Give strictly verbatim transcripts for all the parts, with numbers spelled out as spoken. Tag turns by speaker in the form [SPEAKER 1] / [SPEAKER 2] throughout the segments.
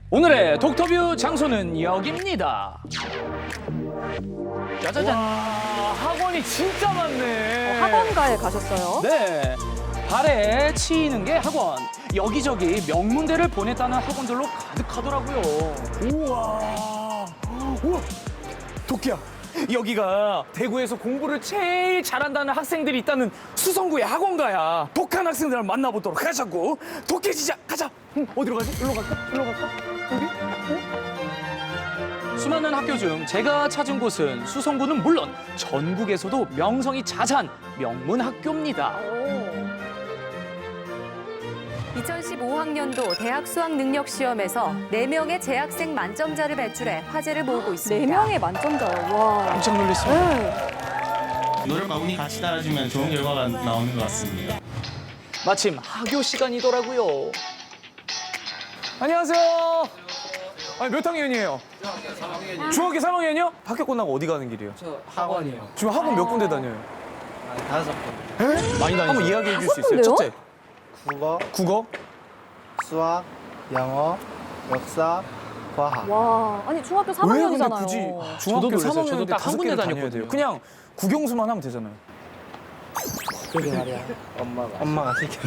[SPEAKER 1] 오늘의 독터뷰 장소는 여기입니다. 짜자잔.
[SPEAKER 2] 와, 학원이 진짜 많네.
[SPEAKER 3] 어, 학원가에 가셨어요?
[SPEAKER 1] 네. 발에 치이는 게 학원. 여기저기 명문대를 보냈다는 학원들로 가득하더라고요.
[SPEAKER 2] 우와. 우와. 도끼야. 여기가 대구에서 공부를 제일 잘한다는 학생들이 있다는 수성구의 학원가야. 독한 학생들을 만나보도록 하자고. 도끼 진짜 가자. 응, 어디로 가지? 일로 갈까? 일로 갈까? 여기? 어?
[SPEAKER 1] 수많은 학교 중 제가 찾은 곳은 수성구는 물론 전국에서도 명성이 자자한 명문 학교입니다.
[SPEAKER 3] 이천십오 학년도 대학 수학 능력 시험에서 네 명의 재학생 만점자를 배출해 화제를 모으고 있습니다. 네 명의 만점자요? 와.
[SPEAKER 1] 깜짝 놀랐습니다.
[SPEAKER 3] 네.
[SPEAKER 4] 노력과 운이 같이 따라주면 좋은 결과가 나오는 것 같습니다.
[SPEAKER 1] 마침 학교 시간이더라고요.
[SPEAKER 2] 안녕하세요. 아니, 몇 학년이에요? 중학교 삼 학년이요? 학교 끝나고 어디 가는 길이에요?
[SPEAKER 5] 저 학원이요.
[SPEAKER 2] 지금 학원 몇 군데 다녀요?
[SPEAKER 5] 한 다섯 번.
[SPEAKER 1] 많이 다니죠.
[SPEAKER 2] 한번 이야기해 줄 수
[SPEAKER 3] 다섯
[SPEAKER 2] 있어요?
[SPEAKER 3] 군데요?
[SPEAKER 2] 첫째,
[SPEAKER 5] 국어,
[SPEAKER 2] 국어.
[SPEAKER 5] 수학, 영어, 역사, 과학.
[SPEAKER 3] 와, 아니 중학교 삼
[SPEAKER 2] 왜 근데
[SPEAKER 3] 학년이잖아요.
[SPEAKER 2] 굳이
[SPEAKER 1] 저도
[SPEAKER 2] 중학교
[SPEAKER 1] 놀랐어요.
[SPEAKER 2] 삼
[SPEAKER 1] 저도
[SPEAKER 2] 학년인데
[SPEAKER 1] 딱한
[SPEAKER 2] 다섯
[SPEAKER 1] 군데
[SPEAKER 2] 개를 다녀야
[SPEAKER 1] 다녔거든요.
[SPEAKER 2] 돼요. 그냥 국영수만 하면 되잖아요.
[SPEAKER 5] 그게 말이야. 엄마가. 엄마가 시켜.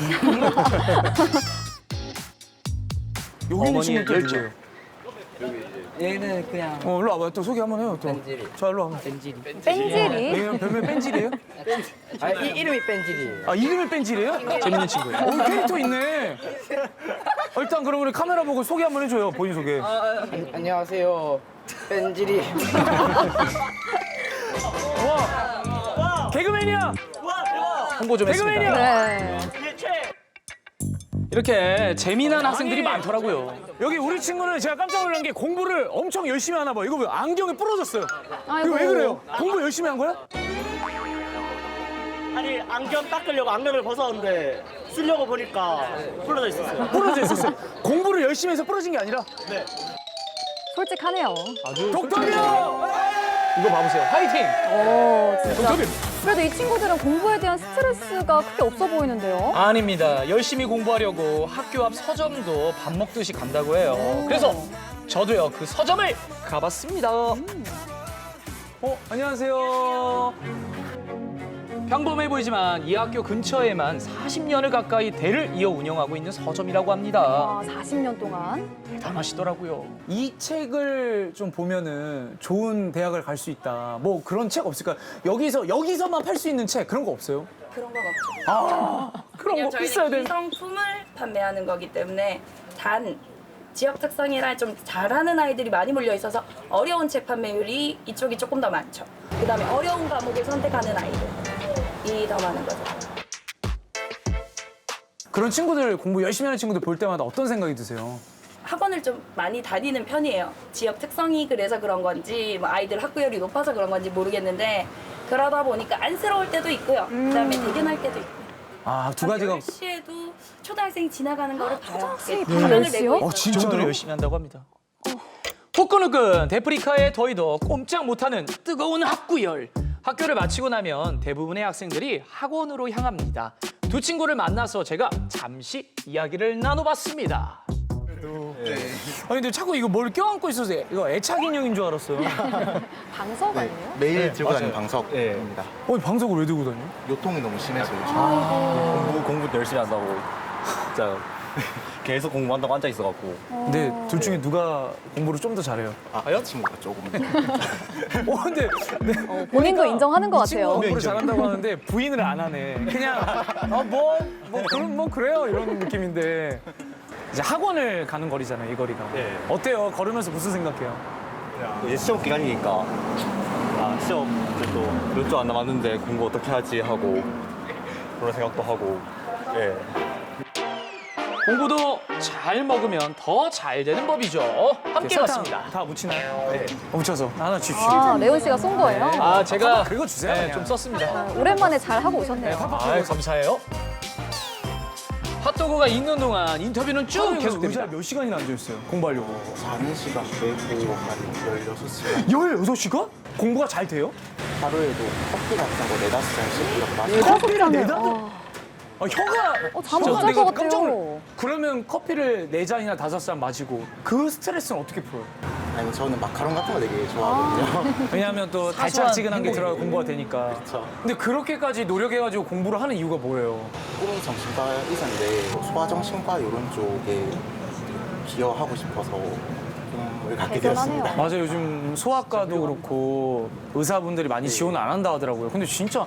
[SPEAKER 2] 여기 있는
[SPEAKER 1] 어머니의
[SPEAKER 2] 친구는 또
[SPEAKER 1] 열정.
[SPEAKER 2] 누구예요?
[SPEAKER 5] 얘는 그냥
[SPEAKER 2] 어, 일로 와봐요. 또 소개 한번 해요. 또.
[SPEAKER 5] 뺀질이.
[SPEAKER 2] 자, 일로 와봐.
[SPEAKER 5] 뺀질이.
[SPEAKER 3] 뺀질이?
[SPEAKER 2] 얘는 별명 뺀질이에요?
[SPEAKER 5] 아, 이, 이름이 뺀질이에요.
[SPEAKER 2] 아, 이름이 뺀질이에요?
[SPEAKER 1] 재밌는 친구예요.
[SPEAKER 2] 오, 캐릭터 있네. 어, 일단 그럼 우리 카메라 보고 소개 한번 해줘요. 본인 소개.
[SPEAKER 5] 안, 안녕하세요. 뺀질이.
[SPEAKER 2] 와, 개그맨이야.
[SPEAKER 1] 홍보 좀 했습니다.
[SPEAKER 2] 개그맨이야.
[SPEAKER 3] 네.
[SPEAKER 1] 이렇게 재미난 학생들이
[SPEAKER 2] 아니,
[SPEAKER 1] 많더라고요.
[SPEAKER 2] 여기 우리 친구는 제가 깜짝 놀란 게 공부를 엄청 열심히 하나 봐요. 이거 왜 안경이 부러졌어요?
[SPEAKER 3] 아이고.
[SPEAKER 2] 이거 왜 그래요? 공부 열심히 한 거야?
[SPEAKER 6] 아니 안경 닦으려고 안경을 벗었는데 쓰려고 보니까 부러져 있었어요.
[SPEAKER 2] 부러져 있었어요. 공부를 열심히 해서 부러진 게 아니라.
[SPEAKER 3] 솔직하네요.
[SPEAKER 2] 독터뷰!
[SPEAKER 1] 이거 봐보세요. 화이팅!
[SPEAKER 3] 오, 진짜.
[SPEAKER 2] 독터뷰!
[SPEAKER 3] 그래도 이 친구들은 공부에 대한 스트레스가 크게 없어 보이는데요.
[SPEAKER 1] 아닙니다. 열심히 공부하려고 학교 앞 서점도 밥 먹듯이 간다고 해요. 그래서 저도요 그 서점을 가봤습니다.
[SPEAKER 2] 어, 안녕하세요.
[SPEAKER 1] 평범해 보이지만 이 학교 근처에만 사십 년을 가까이 대를 이어 운영하고 있는 서점이라고 합니다.
[SPEAKER 3] 아, 사십 년 동안.
[SPEAKER 1] 대단하시더라고요.
[SPEAKER 2] 이 책을 좀 보면은 좋은 대학을 갈 수 있다. 뭐 그런 책 없을까요? 여기서, 여기서만 팔 수 있는 책 그런 거 없어요?
[SPEAKER 7] 그런 건 없죠.
[SPEAKER 2] 아, 그런
[SPEAKER 7] 그냥
[SPEAKER 2] 거 있어야
[SPEAKER 7] 저희는
[SPEAKER 2] 되는.
[SPEAKER 7] 기성품을 판매하는 거기 때문에 단 지역 특성이라 좀 잘하는 아이들이 많이 몰려 있어서 어려운 책 판매율이 이쪽이 조금 더 많죠. 그다음에 어려운 과목을 선택하는 아이들이 더 많은 거죠.
[SPEAKER 2] 그런 친구들, 공부 열심히 하는 친구들 볼 때마다 어떤 생각이 드세요?
[SPEAKER 7] 학원을 좀 많이 다니는 편이에요. 지역 특성이 그래서 그런 건지 뭐 아이들 학구열이 높아서 그런 건지 모르겠는데 그러다 보니까 안쓰러울 때도 있고요. 그다음에 대견할 때도 있고요.
[SPEAKER 2] 아, 두 가지가.
[SPEAKER 7] 열 시에도 초등학생이 지나가는 거를 봐요.
[SPEAKER 3] 초등학생이
[SPEAKER 7] 이렇게
[SPEAKER 3] 밤
[SPEAKER 7] 방학을
[SPEAKER 3] 열 시요?
[SPEAKER 7] 내고
[SPEAKER 2] 어,
[SPEAKER 7] 있어요.
[SPEAKER 1] 이 정도로
[SPEAKER 2] 진짜요?
[SPEAKER 1] 열심히 한다고 합니다. 후끈후끈 데프리카의 더위도 꼼짝 못하는 뜨거운 학구열. 학교를 마치고 나면 대부분의 학생들이 학원으로 향합니다. 두 친구를 만나서 제가 잠시 이야기를 나눠봤습니다.
[SPEAKER 2] 아니, 근데 자꾸 이거 뭘 껴안고 있어서 이거 애착 인형인 줄 알았어요.
[SPEAKER 3] 방석 아니에요?
[SPEAKER 8] 매일 들고 다니는 방석입니다.
[SPEAKER 2] 어, 방석을 왜 들고 다녀?
[SPEAKER 8] 요통이 너무 심해서 요즘.
[SPEAKER 9] 공부 공부 열심히 한다고 진짜 계속 공부한다고 앉아 있어갖고
[SPEAKER 2] 근데 둘 중에 누가 공부를 좀 더 잘해요?
[SPEAKER 8] 아, 친구가 조금.
[SPEAKER 2] 어, 근데 네.
[SPEAKER 3] 어, 본인도 인정하는 것
[SPEAKER 2] 이 친구가
[SPEAKER 3] 같아요.
[SPEAKER 2] 공부를 잘한다고 하는데 부인을 안 하네. 그냥 아, 뭐, 뭐 그럼 뭐 그래요 이런 느낌인데 이제 학원을 가는 거리잖아요, 이 거리가.
[SPEAKER 9] 네.
[SPEAKER 2] 어때요? 걸으면서 무슨 생각해요?
[SPEAKER 9] 이제 시험 기간이니까 아 시험 이제 또 몇 주 안 남았는데 공부 어떻게 하지 하고 그런 생각도 하고 예.
[SPEAKER 1] 공부도 잘 먹으면 더 잘 되는 법이죠. 함께
[SPEAKER 2] 설탕
[SPEAKER 1] 봤습니다.
[SPEAKER 2] 다 묻히나요? 네. 어, 묻혀서 하나 주십시오.
[SPEAKER 3] 아, 레온 씨가 쏜 거예요?
[SPEAKER 1] 아, 제가
[SPEAKER 2] 긁어 주세요.
[SPEAKER 1] 네,
[SPEAKER 2] 그냥.
[SPEAKER 1] 좀 썼습니다.
[SPEAKER 3] 아, 오랜만에 잘 하고 오셨네요.
[SPEAKER 1] 아, 감사해요. 핫도그가 있는 동안 인터뷰는 쭉
[SPEAKER 2] 하루에
[SPEAKER 1] 계속됩니다.
[SPEAKER 2] 의자에 몇 시간이나 앉아 있어요? 공부하려고.
[SPEAKER 8] 자는 시간 빼고 한 열여섯 시간.
[SPEAKER 2] 열여섯 시간? 공부가 잘 돼요?
[SPEAKER 8] 하루에도 커피 같은 거 네다섯 잔씩 이렇게 마시고.
[SPEAKER 3] 네다섯
[SPEAKER 2] 커피를
[SPEAKER 3] 잔을.
[SPEAKER 2] 네다섯-
[SPEAKER 3] 아,
[SPEAKER 2] 아, 혀가
[SPEAKER 3] 어, 잠 못
[SPEAKER 2] 혀가
[SPEAKER 3] 잘
[SPEAKER 2] 내가
[SPEAKER 3] 것
[SPEAKER 2] 깜짝 놀-
[SPEAKER 3] 같아요.
[SPEAKER 2] 그러면 커피를 네 잔이나 다섯 잔 마시고 그 스트레스는 어떻게 풀어요?
[SPEAKER 8] 아니 저는 마카롱 같은 거 되게 좋아하거든요.
[SPEAKER 2] 왜냐하면 또 달짝지근한 게 들어가 공부가 되니까.
[SPEAKER 8] 그렇죠.
[SPEAKER 2] 근데 그렇게까지 노력해가지고 공부를 하는 이유가 뭐예요?
[SPEAKER 8] 꿈이 정신과 의사인데 소아정신과 이런 쪽에 기여하고 싶어서 꿈을 갖게
[SPEAKER 3] 대단하네요.
[SPEAKER 8] 되었습니다.
[SPEAKER 2] 맞아요. 요즘 소아과도 그렇고 의사분들이 많이 지원 안 한다 하더라고요. 근데 진짜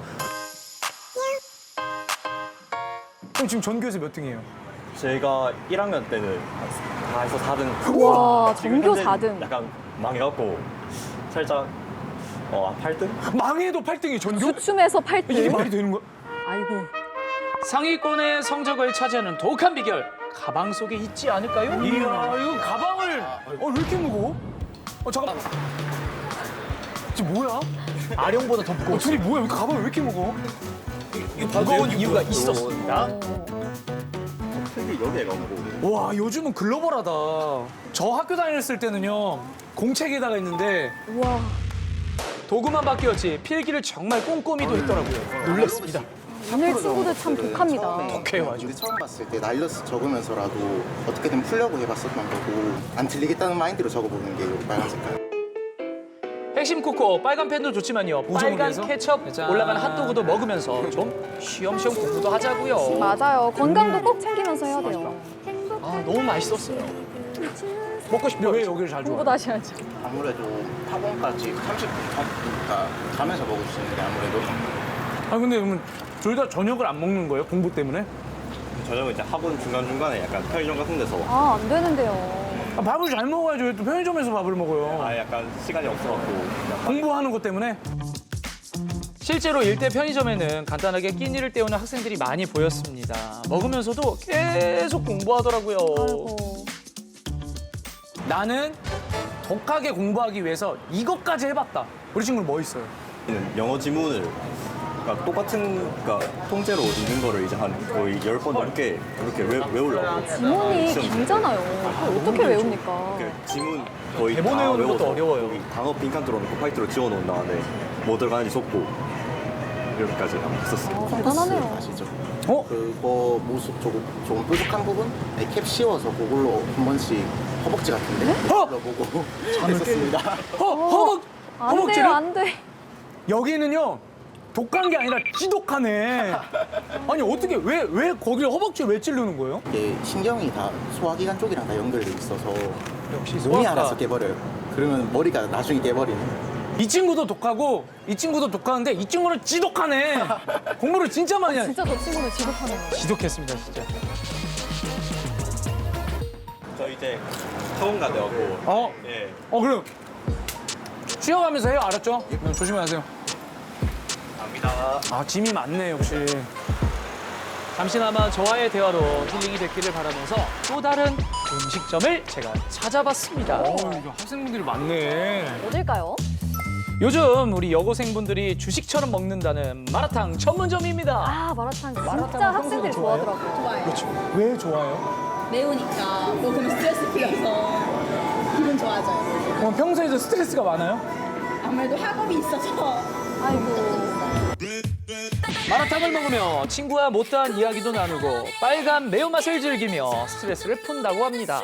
[SPEAKER 2] 그럼 지금 전교에서 몇 등이에요?
[SPEAKER 9] 제가 일 학년 때는 다 해서 사 등.
[SPEAKER 3] 우와,
[SPEAKER 9] 지금
[SPEAKER 3] 전교
[SPEAKER 9] 현재
[SPEAKER 3] 사 등.
[SPEAKER 9] 약간 망해갖고 살짝 어, 팔 등?
[SPEAKER 2] 망해도 팔 등이 전교?
[SPEAKER 3] 주춤해서 팔
[SPEAKER 2] 이게
[SPEAKER 3] 등.
[SPEAKER 2] 말이 되는 거야?
[SPEAKER 3] 아이고.
[SPEAKER 1] 상위권의 성적을 차지하는 독한 비결 가방 속에 있지 않을까요?
[SPEAKER 2] 이야, 이거 가방을 어, 왜 이렇게 무거워? 어, 잠깐만. 지금 뭐야?
[SPEAKER 1] 아령보다 더 무거워.
[SPEAKER 2] 어, 둘이 뭐야? 왜 가방이 왜 이렇게 무거워?
[SPEAKER 1] 무거운 이유가 있었습니다.
[SPEAKER 9] 특히 여기에 가고.
[SPEAKER 2] 와, 요즘은 글로벌하다. 저 학교 다녔을 때는요, 공책에다가 있는데
[SPEAKER 3] 우와.
[SPEAKER 1] 도구만 바뀌었지 필기를 정말 꼼꼼히도 했더라고요. 놀랐습니다.
[SPEAKER 3] 오늘 친구들 참 독합니다.
[SPEAKER 1] 독해요 아주.
[SPEAKER 8] 근데 처음 봤을 때 나일러스 적으면서라도 어떻게든 풀려고 해봤었던 거고 안 틀리겠다는 마인드로 적어보는 게 여기 빨간 색깔.
[SPEAKER 1] 핵심 코코 빨간 펜도 좋지만요.
[SPEAKER 2] 우정을
[SPEAKER 1] 빨간
[SPEAKER 2] 위해서?
[SPEAKER 1] 케첩
[SPEAKER 2] 짠.
[SPEAKER 1] 올라간 핫도그도 먹으면서 좀 쉬엄쉬엄 공부도 하자고요.
[SPEAKER 3] 맞아요. 건강도 꼭 챙기면서 해야 돼요.
[SPEAKER 1] 아 너무 맛있었어요. 먹고
[SPEAKER 2] 근데
[SPEAKER 1] 싶어요.
[SPEAKER 2] 왜 여기를 잘
[SPEAKER 3] 공부
[SPEAKER 2] 좋아해?
[SPEAKER 3] 다시 하죠.
[SPEAKER 8] 아무래도 학원까지 삼십 분 전이니까 가면서 먹을 수 있는 게 아무래도
[SPEAKER 2] 아, 근데 그러면 둘 다 저녁을 안 먹는 거예요? 공부 때문에?
[SPEAKER 9] 저녁은 이제 학원 중간중간에 약간 편의점 같은 데서
[SPEAKER 3] 아, 안 되는데요.
[SPEAKER 2] 아, 밥을 잘 먹어야죠. 왜 또 편의점에서 밥을 먹어요?
[SPEAKER 9] 아 약간 시간이 없어갖고 그냥
[SPEAKER 2] 공부하는 것 때문에?
[SPEAKER 1] 실제로 일대 편의점에는 간단하게 끼니를 때우는 학생들이 많이 보였습니다. 먹으면서도 계속 공부하더라고요.
[SPEAKER 3] 아이고.
[SPEAKER 2] 나는 독하게 공부하기 위해서 이것까지 해봤다. 우리 친구는 뭐 있어요?
[SPEAKER 9] 영어 지문을 그러니까 똑같은 그러니까 통째로 읽는 거를 이제 한 거의 열 번 넘게 그렇게 외, 외우려고.
[SPEAKER 3] 지문이
[SPEAKER 9] 시험
[SPEAKER 3] 길잖아요. 그걸 어떻게 외웁니까?
[SPEAKER 9] 그 지문 거의
[SPEAKER 1] 대본
[SPEAKER 9] 다
[SPEAKER 1] 외우는 것도
[SPEAKER 9] 외워서
[SPEAKER 1] 어려워요.
[SPEAKER 9] 거기 단어 빈칸 뚫어놓고 화이트로 지워놓은 다음에 뭐 들어가는지 적고 이렇게까지 한번 했었어요.
[SPEAKER 3] 어, 대단하네요.
[SPEAKER 8] 아시죠?
[SPEAKER 2] 어?
[SPEAKER 8] 그거 모습 조금 좀 뾰족한 부분? 네, 캡 씌워서 그걸로 한 번씩 허벅지 같은데
[SPEAKER 2] 어?
[SPEAKER 8] 보고 했었습니다.
[SPEAKER 2] 허, 허벅,
[SPEAKER 3] 안 돼요,
[SPEAKER 2] 허벅지를?
[SPEAKER 3] 안 돼.
[SPEAKER 2] 여기는요, 독한 게 아니라 지독하네. 아니, 어떻게, 왜, 왜 거기를 허벅지 왜 찌르는 거예요?
[SPEAKER 8] 이게 신경이 다 소화기관 쪽이랑 다 연결돼 있어서
[SPEAKER 1] 역시
[SPEAKER 8] 몸이
[SPEAKER 1] 소아과.
[SPEAKER 8] 알아서 깨버려요. 그러면 머리가 나중에 깨버리는.
[SPEAKER 2] 이 친구도 독하고, 이 친구도 독하는데, 이 친구는 지독하네. 공부를 진짜 많이 하네.
[SPEAKER 3] 진짜 저 친구는 지독하네요.
[SPEAKER 1] 지독했습니다 진짜.
[SPEAKER 9] 저 이제 학원 가대하고
[SPEAKER 2] 어?
[SPEAKER 9] 예.
[SPEAKER 2] 어, 그럼. 쉬어가면서 해요, 알았죠? 네, 조심히 하세요.
[SPEAKER 9] 갑니다.
[SPEAKER 2] 아, 짐이 많네, 역시.
[SPEAKER 1] 잠시나마 저와의 대화로 힐링이 됐기를 바라면서 또 다른 음식점을 제가 찾아봤습니다.
[SPEAKER 2] 어, 이거 학생분들이 많네.
[SPEAKER 3] 어딜까요?
[SPEAKER 1] 요즘 우리 여고생분들이 주식처럼 먹는다는 마라탕 전문점입니다.
[SPEAKER 3] 아, 마라탕 진짜 학생들이 좋아하더라고요.
[SPEAKER 7] 좋아요.
[SPEAKER 2] 왜 좋아요?
[SPEAKER 7] 매우니까 먹으면 스트레스 풀려서 기분 좋아져요.
[SPEAKER 2] 그럼 평소에도 스트레스가 많아요?
[SPEAKER 7] 아무래도 학업이 있어서
[SPEAKER 3] 아이고.
[SPEAKER 1] 마라탕을 먹으며 친구와 못다한 이야기도 나누고 빨간 매운맛을 즐기며 스트레스를 푼다고 합니다.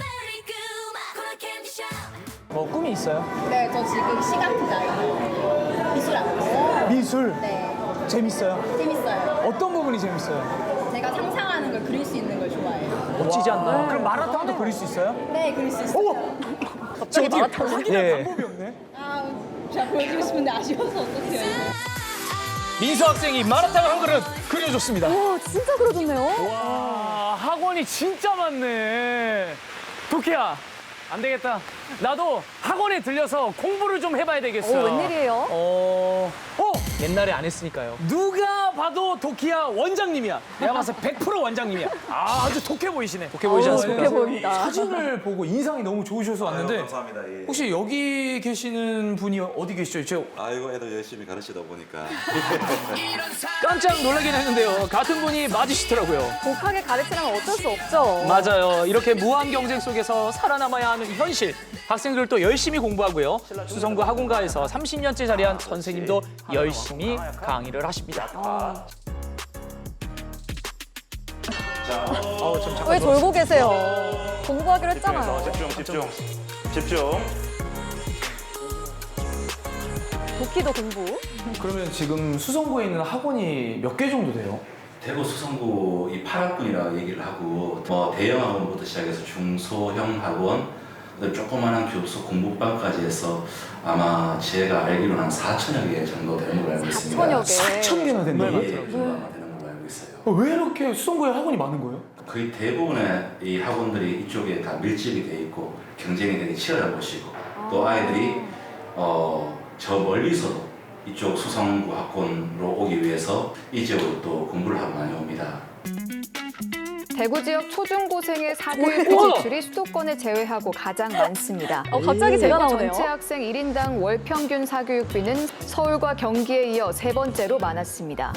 [SPEAKER 2] 뭐 꿈이 있어요?
[SPEAKER 7] 네, 저 지금 시각 디자인 미술하고 있어요.
[SPEAKER 2] 미술?
[SPEAKER 7] 네,
[SPEAKER 2] 재밌어요?
[SPEAKER 7] 재밌어요.
[SPEAKER 2] 어떤 부분이 재밌어요?
[SPEAKER 7] 제가 상상하는 걸 그릴 수 있는 걸 좋아해요.
[SPEAKER 1] 멋지지 않나요?
[SPEAKER 2] 그럼 마라탕도 그릴 수 있어요?
[SPEAKER 7] 네, 그릴 수 있어요.
[SPEAKER 2] 갑자기 어떻게 확인할
[SPEAKER 1] 예.
[SPEAKER 2] 방법이 없네.
[SPEAKER 7] 아, 제가 보여주고 싶은데 아쉬워서 어떡해요.
[SPEAKER 1] 민수 학생이 마라탕을 한 그릇 그려줬습니다.
[SPEAKER 3] 와, 진짜 그려줬네요.
[SPEAKER 2] 와, 학원이 진짜 많네. 도키야, 안 되겠다. 나도 학원에 들려서 공부를 좀 해봐야 되겠어.
[SPEAKER 3] 오, 웬일이에요?
[SPEAKER 2] 어, 어,
[SPEAKER 1] 옛날에 안 했으니까요.
[SPEAKER 2] 누가 봐도 도키야 원장님이야. 내가 봐서 백 퍼센트 원장님이야. 아, 아주 독해 보이시네.
[SPEAKER 1] 독해 보이지
[SPEAKER 3] 어우,
[SPEAKER 1] 않습니까?
[SPEAKER 3] 독해 보입니다.
[SPEAKER 2] 사진을 보고 인상이 너무 좋으셔서 왔는데
[SPEAKER 9] 감사합니다. 예.
[SPEAKER 2] 혹시 여기 계시는 분이 어디 계시죠? 저
[SPEAKER 9] 아이고 애들 열심히 가르치다 보니까
[SPEAKER 1] 깜짝 놀라긴 했는데요. 같은 분이 맞으시더라고요.
[SPEAKER 3] 독하게 가르치려면 어쩔 수 없죠.
[SPEAKER 1] 맞아요. 이렇게 무한 경쟁 속에서 살아남아야 하는 현실. 학생들도 열심히 공부하고요. 수성구 학원가에서 삼십 년째 자리한 선생님도 열심히 강의를 하십니다. 아우, 좀 잠깐
[SPEAKER 3] 왜
[SPEAKER 1] 놀았어요.
[SPEAKER 3] 졸고 계세요? 공부하기로 했잖아요.
[SPEAKER 10] 집중, 집중, 집중.
[SPEAKER 3] 도끼도 공부.
[SPEAKER 2] 그러면 지금 수성구에 있는 학원이 몇 개 정도 돼요?
[SPEAKER 11] 대구 수성구 이 팔 학군이라고 얘기를 하고 뭐 대형 학원부터 시작해서 중소형 학원, 그다음에 조그마한 교수 공부방까지 해서 아마 제가 알기로는 한 사천여 개 정도 되는 걸로 알고 있습니다.
[SPEAKER 3] 사천여 개.
[SPEAKER 2] 사천 개나 된다고요?
[SPEAKER 11] 예, 그 정도 아마 되는 걸로 알고 있어요.
[SPEAKER 2] 어, 왜 이렇게 수성구에 학원이 많은 거예요?
[SPEAKER 11] 거의 대부분의 이 학원들이 이쪽에 다 밀집이 돼 있고 경쟁이 되게 치열한 곳이고 또 아이들이 어, 저 멀리서도 이쪽 수성구 학원으로 오기 위해서 이 지역으로 또 공부를 하고 많이 옵니다.
[SPEAKER 12] 대구 지역 초중고생의 사교육비
[SPEAKER 3] 우와!
[SPEAKER 12] 지출이 수도권을 제외하고 가장 많습니다.
[SPEAKER 3] 어, 갑자기 제가
[SPEAKER 12] 대구
[SPEAKER 3] 나오네요.
[SPEAKER 12] 전체 학생 일 인당 월 평균 사교육비는 서울과 경기에 이어 세 번째로 많았습니다.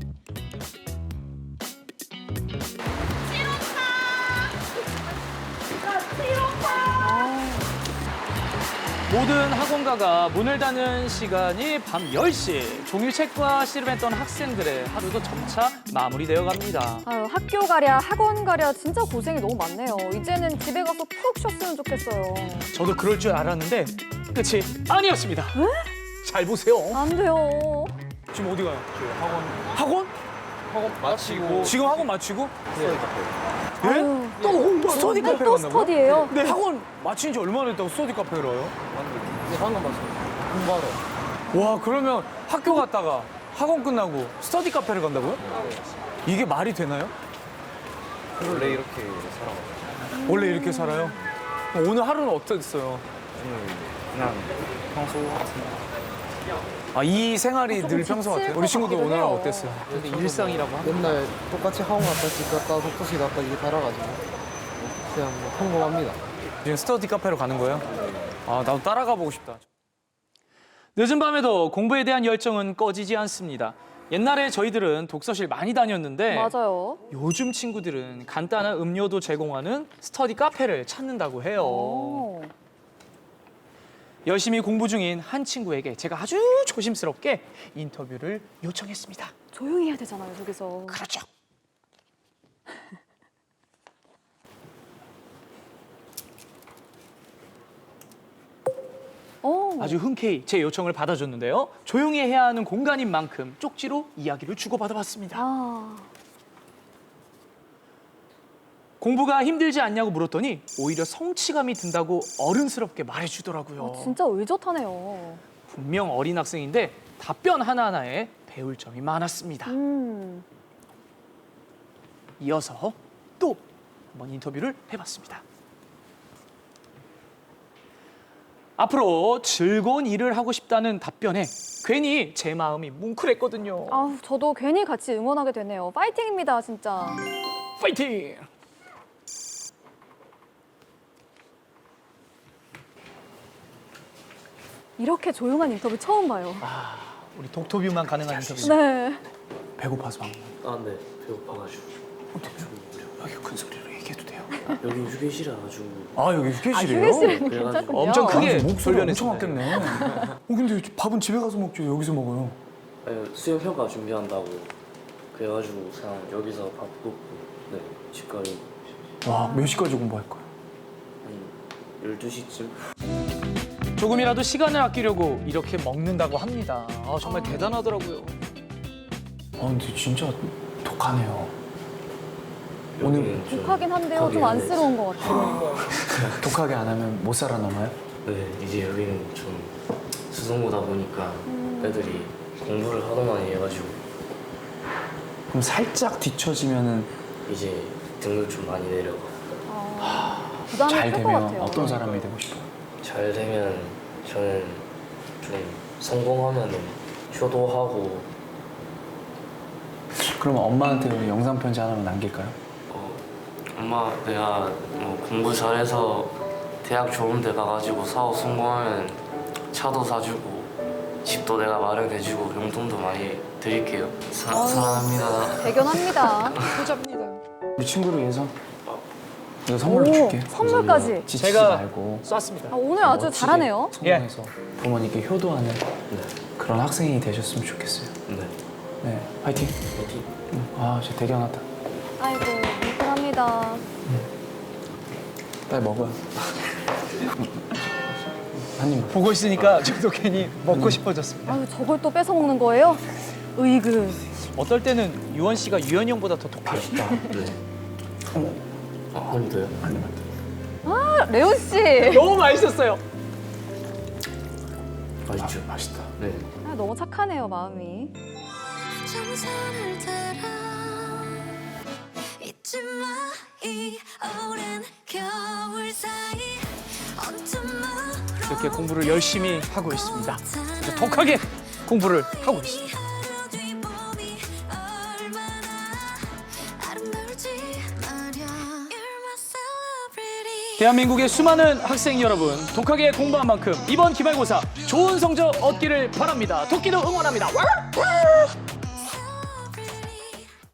[SPEAKER 1] 모든 학원가가 문을 닫는 시간이 밤 열 시. 종일책과 씨름했던 학생들의 하루도 점차 마무리되어 갑니다.
[SPEAKER 3] 아유, 학교 가랴, 학원 가랴 진짜 고생이 너무 많네요. 이제는 집에 가서 푹 쉬었으면 좋겠어요.
[SPEAKER 1] 저도 그럴 줄 알았는데 끝이 아니었습니다. 잘 보세요.
[SPEAKER 3] 안 돼요.
[SPEAKER 2] 지금 어디 가요? 학원. 학원?
[SPEAKER 9] 학원 마치고
[SPEAKER 2] 지금 학원 마치고? 예?
[SPEAKER 3] 아유,
[SPEAKER 2] 또 어, 스터디
[SPEAKER 3] 오늘
[SPEAKER 2] 카페
[SPEAKER 3] 또
[SPEAKER 2] 간다고요?
[SPEAKER 3] 스터디예요?
[SPEAKER 2] 네. 학원 마친 지 얼마나 됐다고 스터디 카페를 와요?
[SPEAKER 5] 네, 방금 봤어요. 공부하러.
[SPEAKER 2] 와, 그러면 학교 갔다가 학원 끝나고 스터디 카페를 간다고요? 이게 말이 되나요?
[SPEAKER 9] 원래 이렇게 살아가지고
[SPEAKER 2] 원래 이렇게 살아요? 오늘 하루는 어땠어요?
[SPEAKER 5] 그냥 평소 같은
[SPEAKER 2] 아, 이 생활이
[SPEAKER 3] 조금
[SPEAKER 2] 늘 평소
[SPEAKER 3] 지칠
[SPEAKER 2] 같아요?
[SPEAKER 3] 것
[SPEAKER 2] 우리 친구들
[SPEAKER 3] 같기도
[SPEAKER 2] 오늘 하루
[SPEAKER 3] 해요.
[SPEAKER 2] 어땠어요?
[SPEAKER 1] 근데 일상이라고 합니다.
[SPEAKER 5] 맨날 똑같이 학원 갔다 집 갔다 독서실 갔다 이게 달아가지고 그냥 뭐 평범합니다.
[SPEAKER 2] 지금 스터디 카페로 가는 거예요? 아, 나도 따라가 보고 싶다.
[SPEAKER 1] 늦은 밤에도 공부에 대한 열정은 꺼지지 않습니다. 옛날에 저희들은 독서실 많이 다녔는데
[SPEAKER 3] 맞아요.
[SPEAKER 1] 요즘 친구들은 간단한 음료도 제공하는 스터디 카페를 찾는다고 해요.
[SPEAKER 3] 오.
[SPEAKER 1] 열심히 공부 중인 한 친구에게 제가 아주 조심스럽게 인터뷰를 요청했습니다.
[SPEAKER 3] 조용히 해야 되잖아요, 저기서.
[SPEAKER 1] 그렇죠.
[SPEAKER 3] 오.
[SPEAKER 1] 아주 흔쾌히 제 요청을 받아줬는데요. 조용히 해야 하는 공간인 만큼 쪽지로 이야기를 주고받아봤습니다.
[SPEAKER 3] 아.
[SPEAKER 1] 공부가 힘들지 않냐고 물었더니 오히려 성취감이 든다고 어른스럽게 말해주더라고요.
[SPEAKER 3] 아, 진짜 의젓하네요.
[SPEAKER 1] 분명 어린 학생인데 답변 하나하나에 배울 점이 많았습니다.
[SPEAKER 3] 음.
[SPEAKER 1] 이어서 또 한번 인터뷰를 해봤습니다. 앞으로 즐거운 일을 하고 싶다는 답변에 괜히 제 마음이 뭉클했거든요.
[SPEAKER 3] 아, 저도 괜히 같이 응원하게 되네요. 파이팅입니다, 진짜.
[SPEAKER 1] 파이팅!
[SPEAKER 3] 이렇게 조용한 인터뷰 처음 봐요.
[SPEAKER 1] 아, 우리 독터뷰만 가능한 인터뷰.
[SPEAKER 3] 네.
[SPEAKER 2] 배고파서 방금.
[SPEAKER 5] 아, 네. 배고파가지고.
[SPEAKER 2] 여기 큰 소리로 얘기해도 돼요?
[SPEAKER 5] 여기 휴게실에 와가지고.
[SPEAKER 2] 아, 여기
[SPEAKER 3] 아,
[SPEAKER 2] 휴게실이에요?
[SPEAKER 3] 휴게실은
[SPEAKER 5] 그래가지고
[SPEAKER 3] 괜찮군요.
[SPEAKER 1] 엄청 크게
[SPEAKER 2] 목소리 엄청
[SPEAKER 1] 돌려냈어요.
[SPEAKER 2] 왔겠네. 어, 근데 밥은 집에 가서 먹죠? 여기서 먹어요?
[SPEAKER 5] 아니, 수영 평가 준비한다고 그래가지고 그냥 여기서 밥 먹고 네 집까지
[SPEAKER 2] 와, 몇 시까지 공부할 거야?
[SPEAKER 5] 한 열두 시쯤.
[SPEAKER 1] 조금이라도 시간을 아끼려고 이렇게 먹는다고 합니다. 아, 정말 대단하더라고요.
[SPEAKER 2] 아, 근데 진짜 독하네요.
[SPEAKER 5] 오늘
[SPEAKER 3] 독하긴 한데요, 좀 안쓰러운 것 같아요.
[SPEAKER 2] 독하게 안 하면 못 살아남아요?
[SPEAKER 5] 네 이제 여기는 좀 수성구다 보니까 애들이 공부를 하도 많이 해가지고
[SPEAKER 2] 그럼 살짝 뒤처지면은
[SPEAKER 5] 이제 등을 좀 많이 내려가.
[SPEAKER 3] 아, 부담이
[SPEAKER 2] 잘
[SPEAKER 3] 클 것
[SPEAKER 2] 되면
[SPEAKER 3] 같아요.
[SPEAKER 2] 어떤 사람이 되고 싶어요?
[SPEAKER 5] 잘 되면 저는 좀 성공하면은 효도하고
[SPEAKER 2] 그러면 엄마한테 우리 영상 편지 하나만 남길까요?
[SPEAKER 5] 어, 엄마 내가 뭐 공부 잘해서 대학 좋은 데 가가지고 사업 성공하면 차도 사주고 집도 내가 마련해주고 용돈도 많이 드릴게요. 사,
[SPEAKER 3] 아유.
[SPEAKER 5] 사랑합니다.
[SPEAKER 3] 대견합니다.
[SPEAKER 2] 우리 친구를 위해서 내가 선물을
[SPEAKER 3] 오,
[SPEAKER 2] 줄게.
[SPEAKER 3] 선물까지.
[SPEAKER 2] 지치지
[SPEAKER 1] 제가
[SPEAKER 2] 말고
[SPEAKER 1] 쐈습니다.
[SPEAKER 3] 아, 오늘 아주
[SPEAKER 2] 멋지게
[SPEAKER 3] 잘하네요.
[SPEAKER 2] 성공해서 부모님께 효도하는
[SPEAKER 5] 네.
[SPEAKER 2] 그런 학생이 되셨으면 좋겠어요.
[SPEAKER 5] 네.
[SPEAKER 2] 네, 화이팅.
[SPEAKER 5] 화이팅.
[SPEAKER 2] 응. 아, 진짜 대견하다.
[SPEAKER 3] 아이고, 미끄러 감사합니다.
[SPEAKER 2] 빨리 먹어요. 한입 보고 있으니까 저도 괜히 먹고 싶어졌습니다.
[SPEAKER 3] 아유, 저걸 또 뺏어 먹는 거예요? 으이그.
[SPEAKER 1] 어떨 때는 유원 씨가 유현이 형보다 더 독해요.
[SPEAKER 5] 네. 아, 한 더요?
[SPEAKER 3] 아, 레온 씨.
[SPEAKER 1] 너무 맛있었어요.
[SPEAKER 5] 맛있죠? 맛있다. 네.
[SPEAKER 3] 아, 너무 착하네요, 마음이.
[SPEAKER 13] 정선을 따라 잊지 마 이 오랜 겨울 사이 온통으로
[SPEAKER 1] 이렇게 공부를 열심히 하고 있습니다. 아주 독하게 공부를 하고 있습니다.
[SPEAKER 13] 하루 뒤 봄이 얼마나 아름다울지 말야 You're my celebrity
[SPEAKER 1] 대한민국의 수많은 학생 여러분, 독하게 공부한 만큼 이번 기말고사 좋은 성적 얻기를 바랍니다. 토끼도 응원합니다. 와! 와!